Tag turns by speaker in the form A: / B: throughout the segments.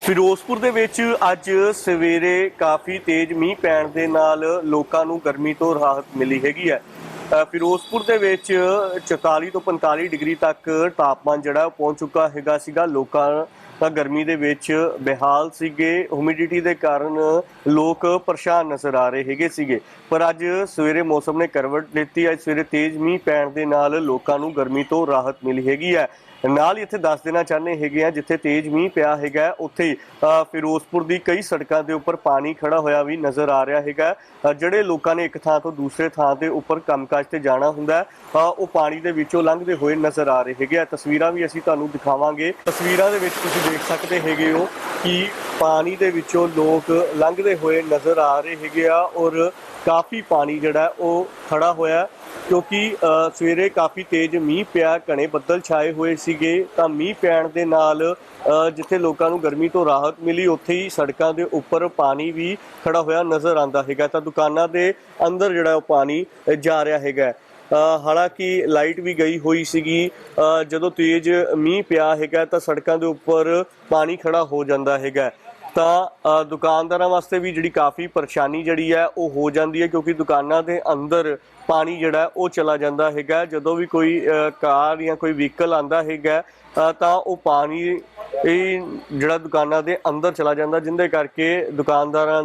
A: ਫਿਰੋਜ਼ਪੁਰ ਦੇ ਵਿੱਚ ਅੱਜ ਸਵੇਰੇ ਕਾਫੀ ਤੇਜ਼ ਮੀਂਹ ਪੈਣ ਦੇ ਨਾਲ ਲੋਕਾਂ ਨੂੰ ਗਰਮੀ ਤੋਂ ਰਾਹਤ ਮਿਲੀ ਹੈਗੀ ਹੈ। ਫਿਰੋਜ਼ਪੁਰ ਦੇ ਵਿੱਚ 44 ਤੋਂ 45 ਡਿਗਰੀ ਤੱਕ ਤਾਪਮਾਨ ਜਿਹੜਾ ਪਹੁੰਚ ਚੁੱਕਾ ਹੈਗਾ ਸੀਗਾ। ਲੋਕਾਂ ਤਾਂ ਗਰਮੀ ਦੇ ਵਿੱਚ ਬੇਹਾਲ ਸੀਗੇ। ਹਿਊਮਿਡਿਟੀ ਦੇ ਕਾਰਨ ਲੋਕ ਪਰੇਸ਼ਾਨ ਨਜ਼ਰ ਆ ਰਹੇ ਹੈਗੇ ਸੀਗੇ। ਪਰ ਅੱਜ ਸਵੇਰੇ ਮੌਸਮ ਨੇ ਕਰਵਟ ਲਿੱਤੀ। ਅੱਜ ਸਵੇਰੇ ਤੇਜ਼ ਮੀਂਹ ਪੈਣ ਦੇ ਨਾਲ ਲੋਕਾਂ ਨੂੰ ਗਰਮੀ ਤੋਂ ਰਾਹਤ ਮਿਲੀ ਹੈਗੀ ਹੈ। ਨਾਲ ਹੀ ਇੱਥੇ ਦੱਸ ਦੇਣਾ ਚਾਹੁੰਦੇ ਹੈਗੇ ਆ, ਜਿੱਥੇ ਤੇਜ਼ ਮੀਂਹ ਪਿਆ ਹੈਗਾ ਉੱਥੇ ਫਿਰੋਜ਼ਪੁਰ ਦੀ ਕਈ ਸੜਕਾਂ ਦੇ ਉੱਪਰ ਪਾਣੀ ਖੜਾ ਹੋਇਆ ਵੀ ਨਜ਼ਰ ਆ ਰਿਹਾ ਹੈਗਾ। ਜਿਹੜੇ ਲੋਕਾਂ ਨੇ ਇੱਕ ਥਾਂ ਤੋਂ ਦੂਸਰੇ ਥਾਂ ਦੇ ਉੱਪਰ ਕੰਮਕਾਜ ਤੇ ਜਾਣਾ ਹੁੰਦਾ ਉਹ ਪਾਣੀ ਦੇ ਵਿੱਚੋਂ ਲੰਘਦੇ ਹੋਏ ਨਜ਼ਰ ਆ ਰਹੇ ਹੈਗੇ ਆ। ਤਸਵੀਰਾਂ ਵੀ ਅਸੀਂ ਤੁਹਾਨੂੰ ਦਿਖਾਵਾਂਗੇ। ਤਸਵੀਰਾਂ ਦੇ ਵਿੱਚ ਤੁਸੀਂ ਦੇਖ ਸਕਦੇ ਹੈਗੇ ਹੋ ਕਿ ਪਾਣੀ ਦੇ ਵਿੱਚੋਂ ਲੋਕ ਲੰਘਦੇ ਹੋਏ ਨਜ਼ਰ ਆ ਰਹੇ ਹੈਗੇ ਆ ਔਰ ਕਾਫੀ ਪਾਣੀ ਜਿਹੜਾ ਉਹ ਖੜਾ ਹੋਇਆ, ਕਿਉਂਕਿ ਸਵੇਰੇ ਕਾਫੀ ਤੇਜ਼ ਮੀਂਹ ਪਿਆ। ਘਣੇ ਬੱਦਲ ਛਾਏ ਹੋਏ ਸੀਗੇ ਤਾਂ ਮੀਂਹ ਪੈਣ ਦੇ ਨਾਲ ਜਿੱਥੇ ਲੋਕਾਂ ਨੂੰ ਗਰਮੀ ਤੋਂ ਰਾਹਤ ਮਿਲੀ ਉੱਥੇ ਹੀ ਸੜਕਾਂ ਦੇ ਉੱਪਰ ਪਾਣੀ ਵੀ ਖੜਾ ਹੋਇਆ ਨਜ਼ਰ ਆਉਂਦਾ ਹੈਗਾ। ਤਾਂ ਦੁਕਾਨਾਂ ਦੇ ਅੰਦਰ ਜਿਹੜਾ ਉਹ ਪਾਣੀ ਜਾ ਰਿਹਾ ਹੈਗਾ। ਹਾਲਾਂਕਿ ਲਾਈਟ ਵੀ ਗਈ ਹੋਈ ਸੀਗੀ। ਜਦੋਂ ਤੇਜ਼ ਮੀਂਹ ਪਿਆ ਹੈਗਾ ਤਾਂ ਸੜਕਾਂ ਦੇ ਉੱਪਰ ਪਾਣੀ ਖੜਾ ਹੋ ਜਾਂਦਾ ਹੈਗਾ ਤਾਂ ਦੁਕਾਨਦਾਰਾਂ ਵਾਸਤੇ ਵੀ ਜਿਹੜੀ ਕਾਫੀ ਪਰੇਸ਼ਾਨੀ ਜਿਹੜੀ ਹੈ ਉਹ ਹੋ ਜਾਂਦੀ ਹੈ, ਕਿਉਂਕਿ ਦੁਕਾਨਾਂ ਦੇ ਅੰਦਰ ਪਾਣੀ ਜਿਹੜਾ ਉਹ ਚਲਾ ਜਾਂਦਾ ਹੈਗਾ। ਜਦੋਂ ਵੀ ਕੋਈ ਕਾਰ ਜਾਂ ਕੋਈ ਵਹੀਕਲ ਆਉਂਦਾ ਹੈਗਾ ਤਾਂ ਉਹ ਪਾਣੀ ਜਿਹੜਾ ਦੁਕਾਨਾਂ ਦੇ ਅੰਦਰ ਚਲਾ ਜਾਂਦਾ, ਜਿਹਦੇ ਕਰਕੇ ਦੁਕਾਨਾਂ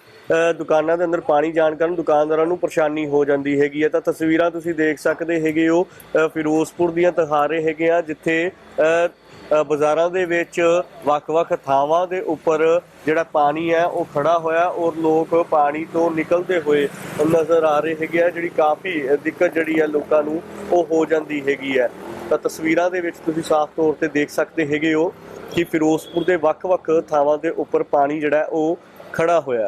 A: ਦੇ ਅੰਦਰ ਪਾਣੀ ਜਾਣ ਕਾਰਨ ਦੁਕਾਨਦਾਰਾਂ ਨੂੰ ਪਰੇਸ਼ਾਨੀ ਹੋ ਜਾਂਦੀ ਹੈਗੀ ਹੈ। ਤਾਂ ਤਸਵੀਰਾਂ ਤੁਸੀਂ ਦੇਖ ਸਕਦੇ ਹੈਗੇ ਹੋ ਫਿਰੋਜ਼ਪੁਰ ਦੀਆਂ ਦਿਖਾ ਰਹੇ ਹੈਗੇ ਆ, ਜਿੱਥੇ ਬਾਜ਼ਾਰਾਂ ਦੇ ਵਿੱਚ ਵੱਖ-ਵੱਖ ਥਾਵਾਂ ਦੇ ਉੱਪਰ ਜਿਹੜਾ ਪਾਣੀ ਹੈ ਉਹ ਖੜਾ ਹੋਇਆ ਔਰ ਲੋਕ ਪਾਣੀ ਤੋਂ ਨਿਕਲਦੇ ਹੋਏ ਨਜ਼ਰ ਆ ਰਹੇ ਹੈਗੇ ਆ। ਜਿਹੜੀ ਕਾਫੀ ਦਿੱਕਤ ਜਿਹੜੀ ਹੈ ਲੋਕਾਂ ਨੂੰ ਉਹ ਹੋ ਜਾਂਦੀ ਹੈਗੀ ਹੈ। ਤਾਂ ਤਸਵੀਰਾਂ ਦੇ ਵਿੱਚ ਤੁਸੀਂ ਸਾਫ਼ ਤੌਰ ਤੇ ਦੇਖ ਸਕਦੇ ਹੈਗੇ ਹੋ ਕਿ ਫਿਰੋਜ਼ਪੁਰ ਦੇ ਵੱਖ-ਵੱਖ ਥਾਵਾਂ ਦੇ ਉੱਪਰ ਪਾਣੀ ਜਿਹੜਾ ਉਹ ਖੜਾ ਹੋਇਆ।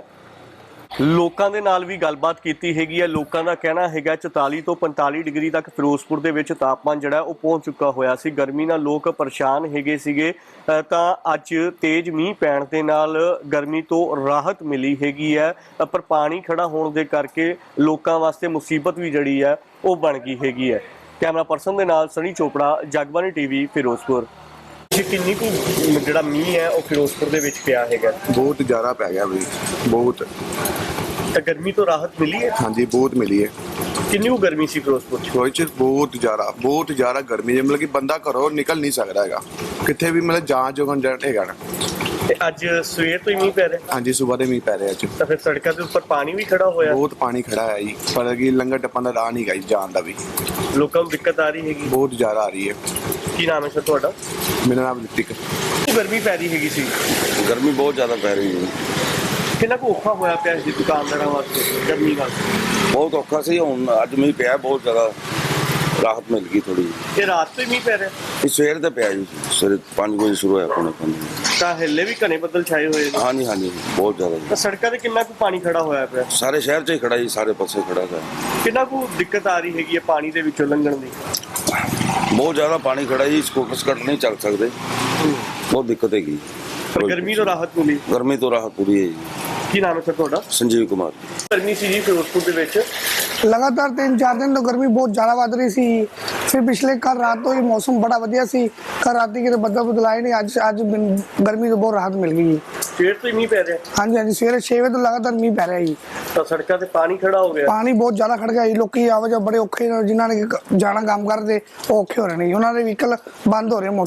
A: ਲੋਕਾਂ ਦੇ ਨਾਲ ਵੀ ਗੱਲਬਾਤ ਕੀਤੀ ਹੈਗੀ ਹੈ। ਲੋਕਾਂ ਦਾ ਕਹਿਣਾ ਹੈਗਾ 44 ਤੋਂ 45 ਡਿਗਰੀ ਤੱਕ ਫਿਰੋਜ਼ਪੁਰ ਦੇ ਵਿੱਚ ਤਾਪਮਾਨ ਜਿਹੜਾ ਉਹ ਪਹੁੰਚ ਚੁੱਕਾ ਹੋਇਆ ਸੀ। ਗਰਮੀ ਨਾਲ ਲੋਕ ਪਰੇਸ਼ਾਨ ਹੈਗੇ ਸੀਗੇ ਤਾਂ ਅੱਜ ਤੇਜ਼ ਮੀਂਹ ਪੈਣ ਦੇ ਨਾਲ ਗਰਮੀ ਤੋਂ ਰਾਹਤ ਮਿਲੀ ਹੈਗੀ ਹੈ। ਪਰ ਪਾਣੀ ਖੜਾ ਹੋਣ ਦੇ ਕਰਕੇ ਲੋਕਾਂ ਵਾਸਤੇ ਮੁਸੀਬਤ ਵੀ ਜਿਹੜੀ ਹੈ ਉਹ ਬਣ ਗਈ ਹੈਗੀ ਹੈ। ਕੈਮਰਾ ਪਰਸਨ ਦੇ ਨਾਲ ਸਨੀ ਚੋਪੜਾ, ਜਗਬਾਣੀ ਟੀਵੀ, ਫਿਰੋਜ਼ਪੁਰ। ਕਿੰਨੀ ਕੁ ਜਿਹੜਾ ਮੀਂਹ ਹੈ ਉਹ ਫਿਰੋਜ਼ਪੁਰ ਦੇ ਵਿੱਚ ਪਿਆ ਹੈਗਾ?
B: ਬਹੁਤ ਜ਼ਿਆਦਾ ਪੈ ਗਿਆ ਵੀ, ਬਹੁਤ।
A: ਤਾਂ ਗਰਮੀ ਤੋਂ ਰਾਹਤ ਮਿਲੀ ਹੈ?
B: ਹਾਂਜੀ, ਬਹੁਤ ਮਿਲੀ ਹੈ।
A: ਕਿੰਨੀ ਕੁ ਗਰਮੀ ਸੀ ਫਿਰੋਜ਼ਪੁਰ ਚ?
B: ਬਹੁਤ ਜ਼ਿਆਦਾ ਗਰਮੀ ਹੈ। ਮਤਲਬ ਕਿ ਬੰਦਾ ਘਰੋਂ ਨਿਕਲ ਨਹੀਂ ਸਕਦਾ ਹੈਗਾ, ਕਿੱਥੇ ਵੀ ਮਤਲਬ ਜਾਣ ਜੋਗਣ ਹੈਗਾ ਨਾ।
A: ਤੇ ਅੱਜ ਸਵੇਰ ਤੋਂ ਹੀ ਮੀਂਹ ਪੈ ਰਿਹਾ?
B: ਹਾਂਜੀ, ਸਵੇਰ ਦੇ ਮੀਂਹ ਪੈ ਰਿਹਾ ਅੱਜ।
A: ਤਾਂ ਫਿਰ ਸੜਕਾਂ ਦੇ ਉੱਪਰ ਪਾਣੀ ਵੀ ਖੜਾ ਹੋਇਆ?
B: ਬਹੁਤ ਪਾਣੀ ਖੜਾ ਹੈ ਜੀ, ਪਰ ਕਿ ਲੰਗਰ ਟੱਪਣ ਦਾ ਰਾਹ ਨਹੀਂ ਗਾ ਜਾਣ ਦਾ ਵੀ।
A: ਲੋਕਾਂ ਨੂੰ ਦਿੱਕਤ ਆ ਰਹੀ ਹੈਗੀ?
B: ਬਹੁਤ ਜ਼ਿਆਦਾ ਆ ਰਹੀ ਹੈ।
A: ਕੀ ਨਾਮ ਹੈ ਸਰ ਤੁਹਾਡਾ?
B: ਮੇਰਾ ਨਾਮ ਰਿਤਿਕ।
A: ਗਰਮੀ ਪੈ ਰਹੀ ਹੈਗੀ ਸੀ?
C: ਗਰਮੀ ਬਹੁਤ ਜ਼ਿਆਦਾ ਪੈ ਰਹੀ ਹੈ।
A: ਕਿੰਨਾ ਕੁ ਔਖਾ ਹੋਇਆ ਪਿਆ ਸੀ ਦੁਕਾਨਦਾਰਾਂ ਵਾਸਤੇ ਗਰਮੀ ਨਾਲ?
C: ਬਹੁਤ ਔਖਾ ਸੀ। ਹੁਣ ਅੱਜ ਮੀਂਹ ਪਿਆ, ਬਹੁਤ ਜ਼ਿਆਦਾ ਰਾਹਤ ਮਿਲ ਗਈ ਥੋੜੀ।
A: ਇਹ ਰਾਤ ਤੋਂ ਹੀ ਮੀਂਹ ਪੈ ਰਿਹਾ?
C: ਇਹ ਸਵੇਰ ਤੇ ਪਿਆ ਜੀ, ਸਵੇਰੇ 5 ਵਜੇ ਸ਼ੁਰੂ ਹੋਇਆ ਪੌਣੇ 5।
A: ਤਾਂ ਹੱਲੇ ਵੀ ਘਣੇ ਬੱਦਲ ਛਾਏ ਹੋਏ ਨੇ?
C: ਹਾਂਜੀ, ਬਹੁਤ ਜ਼ਿਆਦਾ।
A: ਤਾਂ ਸੜਕਾਂ ਤੇ ਕਿੰਨਾ ਕੁ ਪਾਣੀ ਖੜਾ ਹੋਇਆ ਪਿਆ?
C: ਸਾਰੇ ਸ਼ਹਿਰ 'ਚ ਹੀ ਖੜਾ ਜੀ, ਸਾਰੇ ਪਾਸੇ ਖੜਾ ਹੈ।
A: ਕਿੰਨਾ ਕੁ ਦਿੱਕਤ ਆ ਰਹੀ ਹੈਗੀ ਹੈ ਪਾਣੀ ਦੇ ਵਿੱਚੋਂ ਲੰਘਣ ਦੀ?
C: ਬਹੁਤ ਜ਼ਿਆਦਾ ਪਾਣੀ ਖੜਾ ਜੀ, ਸਕੂਟਰ ਸਕਟ ਨਹੀਂ ਚੱਲ ਸਕਦੇ, ਬਹੁਤ ਦਿੱਕਤ ਹੈਗੀ।
A: ਪਰ ਗਰਮੀ ਤੋਂ ਰਾਹਤ ਮਿਲੀ?
C: ਗਰਮੀ ਤੋਂ ਰਾਹਤ ਪੂਰੀ ਹੈ ਜੀ।
A: ਕੀ ਨਾਮ ਹੈ ਸਰ ਤੁਹਾਡਾ?
C: ਸੰਜੀਵ ਕੁਮਾਰ।
A: ਗਰਮੀ ਸੀ ਜੀ ਫਿਰੋਜ਼ਪੁਰ ਦੇ ਵਿੱਚ?
D: लगातार 3-4 दिन तो गर्मी बहुत ज़्यादा बढ़ रही सी। फिर पिछले कल रात तो ये मौसम बड़ा वधिया सी। कल रात की बदल बदलाए नहीं, अज गर्मी तो बहुत राहत मिल गई।
A: ਸਵੇਰ ਤੋਂ ਹੀ ਮੀਂਹ ਪੈ ਰਿਹਾ?
D: हाँ जी, सवेरे 6 बजे तो लगातार मीह पै रहा जी।
A: ਤਾਂ ਸੜਕਾਂ ਤੇ ਪਾਣੀ ਖੜਾ ਹੋ ਗਿਆ?
D: पानी बहुत ज़्यादा खड़ गया जी। लोग आवाजाही बड़े औखे ने, जिन्होंने जाना काम करते वो औखे हो रहे हैं। उन्होंने व्हीकल बंद हो रहे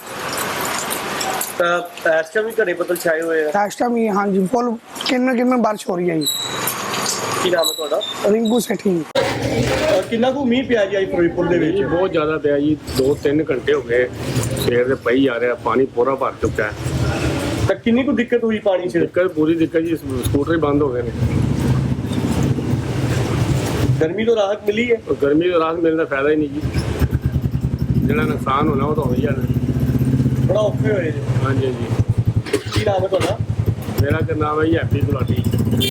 D: मोटरसाइकिल।
A: ਤਾਂ ਇਸ ਟਾਈਮ ਵੀ ਘਣੇ ਬੱਦਲ ਛਾਏ ਹੋਏ ਆ?
D: इस टाइम हाँ जी, फुल किन बारिश हो रही है जी।
A: ਕੀ ਨਾਮ ਹੈ ਤੁਹਾਡਾ?
D: रिंकू सेठी।
A: ਕਿੰਨਾ ਕੁ ਮੀਂਹ ਪਿਆ ਜੀ ਅੱਜ ਫਿਰੋਜ਼ਪੁਰ ਦੇ ਵਿੱਚ?
E: ਬਹੁਤ ਜ਼ਿਆਦਾ ਪਿਆ ਜੀ, 2-3 ਘੰਟੇ ਹੋ ਗਏ ਸਵੇਰ ਦੇ ਪਈ ਜਾ ਰਿਹਾ, ਪਾਣੀ ਪੂਰਾ ਭਰ ਚੁੱਕਾ ਹੈ।
A: ਤਾਂ ਕਿੰਨੀ ਕੁ ਦਿੱਕਤ ਹੋਈ ਪਾਣੀ 'ਚ?
E: ਪੂਰੀ ਦਿੱਕਤ ਜੀ, ਸਕੂਟਰ ਹੀ ਬੰਦ ਹੋ ਗਏ ਨੇ।
A: ਗਰਮੀ ਤੋਂ ਰਾਹਤ ਮਿਲੀ ਹੈ?
E: ਗਰਮੀ ਤੋਂ ਰਾਹਤ ਮਿਲਣ ਦਾ ਫਾਇਦਾ ਹੀ ਨਹੀਂ ਜੀ, ਜਿਹੜਾ ਨੁਕਸਾਨ ਹੋਣਾ ਉਹ ਤਾਂ ਹੋ ਹੀ ਜਾਣਾ।
A: ਬੜਾ ਔਖੇ ਹੋਏ ਜੀ।
E: ਹਾਂਜੀ।
A: ਕੀ ਨਾਮ ਹੈ ਤੁਹਾਡਾ?
E: ਮੇਰਾ ਨਾਮ ਹੈ ਜੀ ਹੈਪੀ ਗੁਲਾਟੀ।